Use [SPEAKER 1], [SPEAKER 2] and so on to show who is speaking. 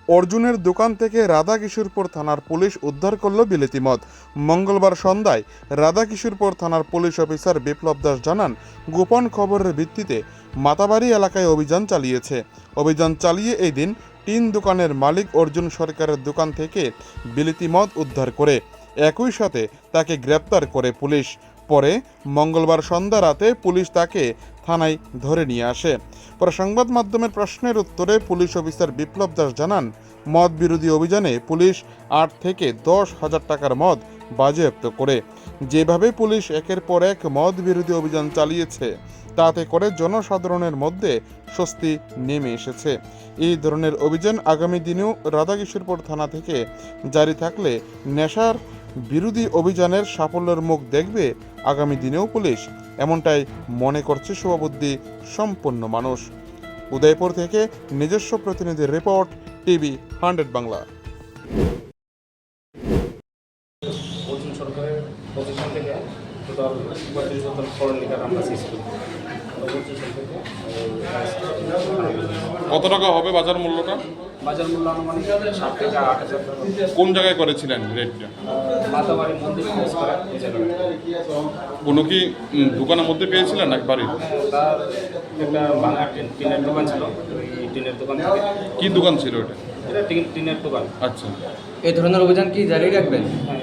[SPEAKER 1] অর্জুনের দোকান থেকে রাধাকিশোরপুর থানার পুলিশ উদ্ধার করল বিলেতি মদ। মঙ্গলবার সন্ধ্যায় রাধাকিশোরপুর থানার পুলিশ অফিসার বিপ্লব দাস জানান, গোপন খবরের ভিত্তিতে মাতাবাড়ি এলাকায় অভিযান চালিয়েছে। অভিযান চালিয়ে এই দিন 3 দোকানের মালিক অর্জুন সরকারের দোকান থেকে বিলেতি মদ উদ্ধার করে একই সাথে তাকে গ্রেপ্তার করে পুলিশ। পরে মঙ্গলবার সন্ধ্যা রাতে পুলিশ তাকে থানায় ধরে নিয়ে আসে। পরে সংবাদ মাধ্যমের প্রশ্নের উত্তরে পুলিশ অফিসার বিপ্লব দাস জানান, মদ বিরোধী অভিযানে পুলিশ 8 থেকে 10,000 টাকার মদ বাজেয়াপ্ত করে। যেভাবে পুলিশ একের পর এক মদ বিরোধী অভিযান চালিয়েছে, তাতে করে জনসাধারণের মধ্যে স্বস্তি নেমে এসেছে। এই ধরনের অভিযান আগামী দিনেও রাধাকিশোরপুর থানা থেকে জারি থাকলে নেশার বিরোধী অভিযানের সাফল্যের মুখ দেখবে আগামী দিনেও পুলিশ, এমনটাই মনে করছে শুভবুদ্ধি সম্পন্ন মানুষ। উদয়পুর থেকে নিজস্ব প্রতিনিধির রিপোর্ট, টিভি 100 বাংলা।
[SPEAKER 2] অর্জুন সরকারের প্রতিষ্ঠান থেকে টোটাল 35 বোতল ফরেন লিকার আমরা সিজ করি।
[SPEAKER 3] কত টাকা হবে বাজার মূল্যটা?
[SPEAKER 2] বাজার মূল্য আনুমানিক 7 থেকে 8,000 টাকা।
[SPEAKER 3] কোন জায়গায় করেছিলেন রেটটা?
[SPEAKER 2] মাতাবাড়ি মন্দির খোঁজ করা এই জায়গায়।
[SPEAKER 3] কোনো কি দোকানের মধ্যে পেয়েছিলেন নাকি বাড়ি?
[SPEAKER 2] তার একটা ভাঙা টিনের দোকান ছিল, ওই টিনের দোকান থেকে।
[SPEAKER 3] কি দোকান ছিল এটা?
[SPEAKER 2] এটা টিনের দোকান।
[SPEAKER 3] আচ্ছা,
[SPEAKER 4] এই ধরনের অভিযান কি জারি রাখবেন?
[SPEAKER 2] হ্যাঁ,